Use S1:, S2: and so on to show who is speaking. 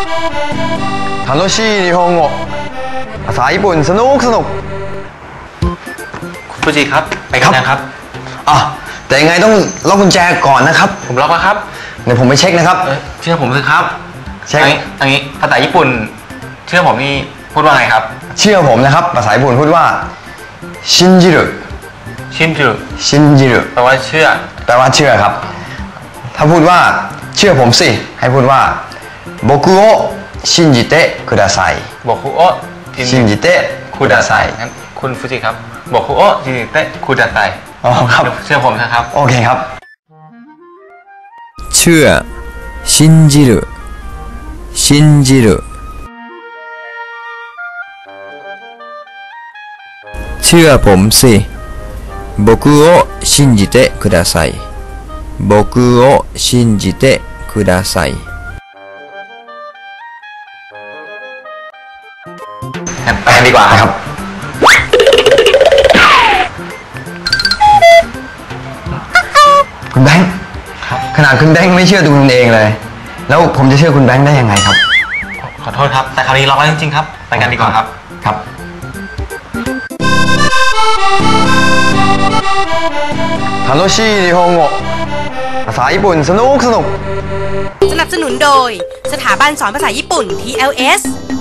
S1: 楽しい日本語ภาษาญี่ปุ่นสนุกคุณ
S2: ฟูจิครับไปกันนะครับ
S1: แต่ยังไงต้องล็อกกุญแจก่อนนะครับ
S2: ผมล็อกแล้วครับ
S1: เดี๋ยวผมไปเช็คนะครับ
S2: เชื่อผมสิครับ
S1: เช็ค
S2: อันนี้ภาษาญี่ปุ่นเชื่อผมนี่พูดว่าไงครับ
S1: เชื่อผมนะครับภาษาญี่ปุ่นพูดว่าชินจิรุชินจิรุ
S2: แปลว่าเชื่
S1: อครับถ้าพูดว่าเชื่อผมสิให้พูดว่า僕を信じてください
S2: 僕を
S1: 信じてください
S2: งั้นคุณฟูจิครับ僕を信じてください
S1: ครับ
S2: เชื่อผมนะครับ
S1: โอเคครับ
S3: เชื่อ信じる信じるเชื่อผมสิ僕を信じてください僕を信じてください
S2: ไปกันดีกว่าครับ
S1: คุณแบงค์ขนาดคุณแบงค์ไม่เชื่อตัวคุณเองเลยแล้วผมจะเชื่อคุณแบงค์ได้ยังไงครับ
S2: ขอโทษครับแต่คราวนี้ล็อกแล้วจริงๆครับไปกันดีกว่าครับ
S1: ครับ楽しい日本語ภาษาญี่ปุ่นสนุก
S4: สนับสนุนโดยสถาบันสอนภาษาญี่ปุ่น TLS